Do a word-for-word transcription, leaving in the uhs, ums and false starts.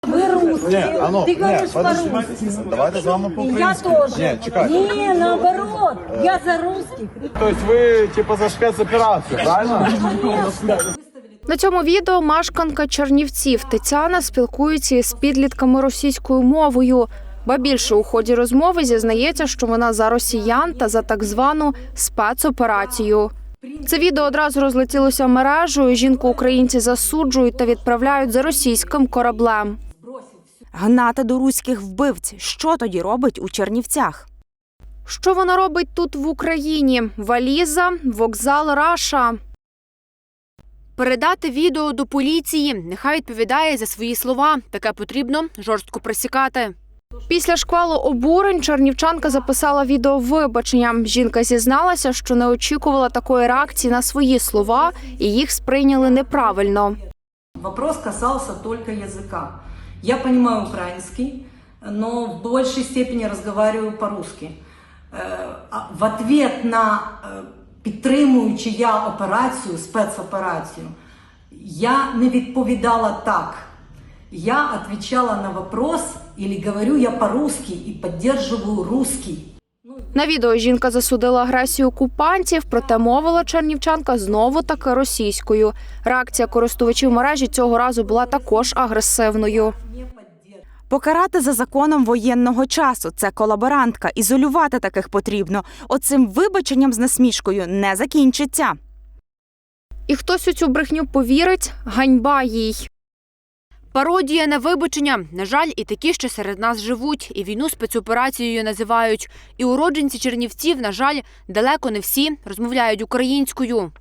Ви русські, Ні, а ну, ти ні, говориш подожди. по-русски. Давайте з вами Я по-українськи. теж. Ні, чекай. Ні, наоборот, я за русских. Тобто ви, типу, за спецоперацію, правильно? На цьому відео мешканка Чернівців Тетяна спілкується із підлітками російською мовою. Ба більше у ході розмови зізнається, що вона за росіян та за так звану спецоперацію. Це відео одразу розлетілося мережею, жінку українці засуджують та відправляють за російським кораблем. Гнати до руських вбивць. Що тоді робить у Чернівцях? Що вона робить тут в Україні? Валіза, вокзал Раша. Передати відео до поліції. Нехай відповідає за свої слова. Таке потрібно жорстко пресікати. Після шквалу обурень чернівчанка записала відео вибачення. Жінка зізналася, що не очікувала такої реакції на свої слова і їх сприйняли неправильно. Вопрос касался только языка. Я понимаю украинский, но в большей степени разговариваю по-русски. В ответ на підтримуючи я операцію, спецоперацію, я не відповідала так. Я отвечала на вопрос, или говорю я по-русски и поддерживаю русский. На відео жінка засудила агресію окупантів, проте мовила чернівчанка знову-таки російською. Реакція користувачів мережі цього разу була також агресивною. Покарати за законом воєнного часу – це колаборантка. Ізолювати таких потрібно. Оцим вибаченням з насмішкою не закінчиться. І хтось у цю брехню повірить – ганьба їй. Пародія на вибачення. На жаль, і такі ще серед нас живуть, і війну спецоперацією називають. І уродженці Чернівців, на жаль, далеко не всі розмовляють українською.